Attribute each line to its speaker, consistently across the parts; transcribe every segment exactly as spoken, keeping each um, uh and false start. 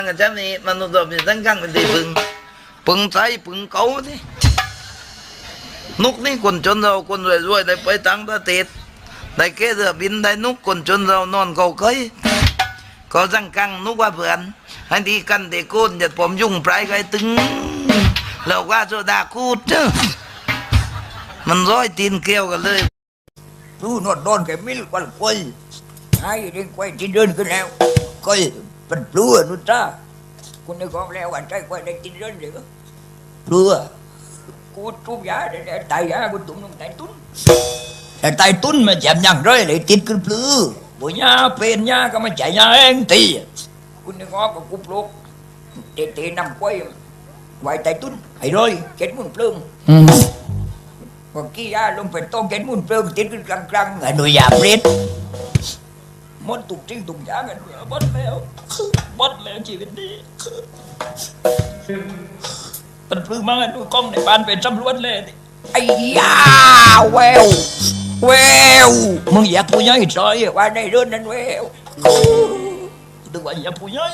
Speaker 1: กันจำนี้มนุษย์เราเป็นตั้งกั้งเป็นตีปึงปึงใจปึงเก่าที่นุกนี่คนจนเราคนรวยๆได้ไปต่างประเทศได้แค่เรือบินได้นุกคนจนเรานอนเกาเคยก็ตั้งกั้งนุกว่าเพื่อนให้ดีกันเด็กโกนอย่าผมยุ่งปลายไกตึงเราว่าโซดาคูดเจ้ามันร้อยตีนเกลียวกันเลยรู้นวดโดนแกมิลกวันควยไอ้เรื่องควยที่เดินขึ้นแล้วก็เป็นปลัวนู่นจ้าคุณนึกออกแล้ววันใจควยได้กินเดินเดี๋ยวปลัวกูทุบยาเดี๋ยวตายยากูตุ้มลงตายตุ้นแต่ตายตุ้นมาแจมยังร้อยเลยติดขึ้นปลือบุญยาเป็นยาก็มาจ่ายยาเองตีคุณนึกออกกับกูปลุกเตะเตะนำควยไว้ตายตุ้นไอ้ร้อยเก็ดมุ่นปลื้มพอกี้ยาลงไปต้มเก็ดมุ่นปลื้มติดขึ้นกลางกลางไอ้หนุ่ยยาเปรี้ยมดตุกจริงตุกยากันบดแล้วบดแล้วชีวิตนี้เป็นปลื้มมากดูกล้องในบ้านเป็นจำรวจเลยไอ้ยาแววแววมึงอยากผู้ใหญ่ซอยว่าในเรื่องนั้นแววดูว่าอยากผู้ใหญ่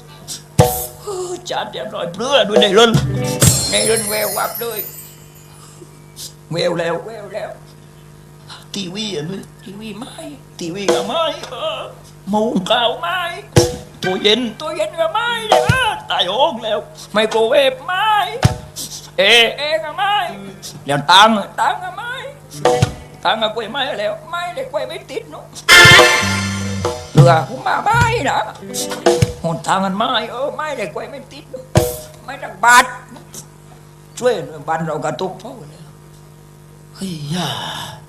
Speaker 1: จัดเรียบร้อยเปลือยด้วยในเรื่องในเรื่องแวววับเลยแววแล้วแววแล้วทีวีอ่ะมึงทีวีไม้ทีวีกับไม้เออมุงเก่าไม้ตัวเย็นตัวเย็นกับไม้เนี่ยตายโอ่งแล้วไมโครเวฟไม้เอเอกับไม้เดี๋ยวตังตังกับไม้ตังกับกล้วยไม้แล้วไม้เลยกล้วยไม่ติดเนาะเรือผมมาไม้นะหนทางกันไม้เออไม้เลยกล้วยไม่ติดไม้ดักบาดช่วยบ้านเรากระตุกเพราะอะไรเฮ้ยย่า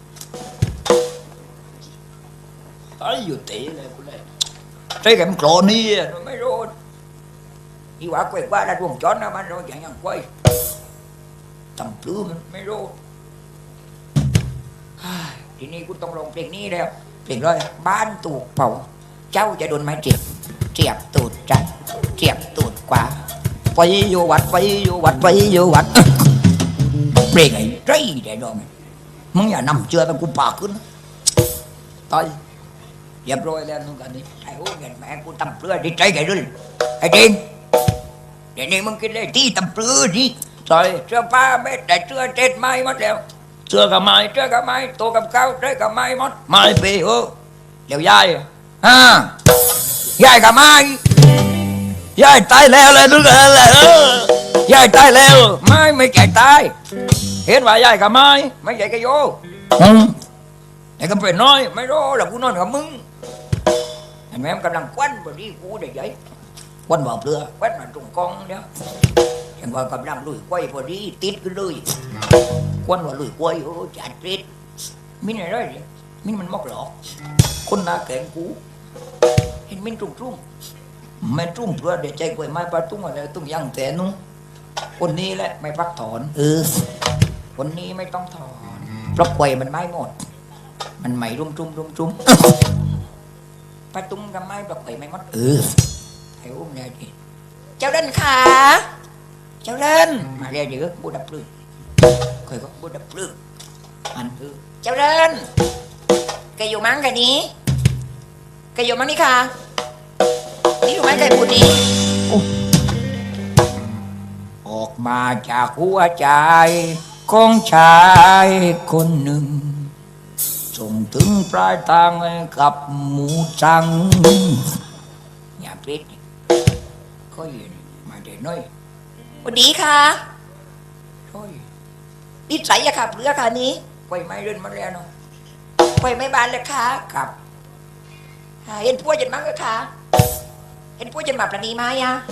Speaker 1: ไอ้อยู่ตีเลยกูเลยใช่แกมันโกรธนี่ไม่รู้อีว่าเกวกว่าได้ดวงจอนนะมันเราอย่างอย่างกล้วยตั้งปลื้มมันไม่รู้ทีนี้กูต้องลงเพลงนี้แล้วเพลงเลยบ้านตูกเผาเจ้าจะโดนไม้เจ็บเจ็บตูดจัดเจ็บตูดกว่าไปอยู่วัดไปอยู่วัดไปอยู่วัดเพลงไอ้ไรได้ดองมึงอย่านำเชื่อตะกูปากขึ้นตายเรียบร้อยแล้วนู่นกันนี่ไอ้โอ้เงินแม่กูตำเปลือยดีใจไงด้วยไอ้จริงเดี๋ยวนี้มึงกินเลยที่ตำเปลือยดิใส่เสื้อผ้าเม็ดแต่เสื้อเจ็ดไม้หมดแล้วเสื้อกับไม้เสื้อกับไม้ตัวกับเก้าเสื้อกับไม้หมดไม้ปีโอ้เดี๋ยวยายอ่ายายกับไม้ยายตายแล้วเลยทุกคนเลยเออยายตายแล้วไม้ไม่แก่ตายเห็นว่ายายกับไม้ไม่ใหญ่กับโยอืมไอ้กำเป็นน้อยไม่รู้làกูนอนกับมึงไอ้แม่กำลังควันบดีกูเดี๋ยวยัยควันบอกเรือควันมาตรงกองเนี่ยยังว่ากำลังลุยกล้วยพอดีติดกันเลยควันว่าลุยกล้วยโอ้จัดติดมินอะไรเนี่ยมินมันมอกหลอกคนหน้าแข็งกูเห็นมินตรงตรงไม่ตรงเพื่อเดี๋ยวใจกล้วยไม้ปลาตุ้งอะไรตุ้งยังแต่นุ่งคนนี้แหละไม่พักถอนเออคนนี้ไม่ต้องถอนเพราะกล้วยมันไม่หมดมันไม่รุ่มรุ่มรุ่มรุ่มปลาตุ้งกับไม้ปลาไข่ไม่มดเออไอ้อุ้มเนี่ยดิเจ้าเล่นขาเจ้าเล่นมาเรียกเดี๋ยวบูดับปลื้มเคยก็บูดับปลื้มอันคือเจ้าเล่นแกอยู่มั้งแกนี้แกอยู่มั้งนี่ค่ะนี่อยู่มั้งแกพูดนี้ออกมาจากหัวใจของชายคนหนึ่งส่งถึงปลายทางกับหมูจังอย่าปิดก็ยืนมาเดี๋ยวน้อยสวัสดีค่ะโอ้ยนิสัยอะค่ะเพื่อค่ะนี้ไฟไม่เดินมาแล้วเนาะไฟไม่บานเลยค่ะครับเห็นพวกจันมั้งก็ค่ะเห็นพวกจันมาปราณีไหมอะ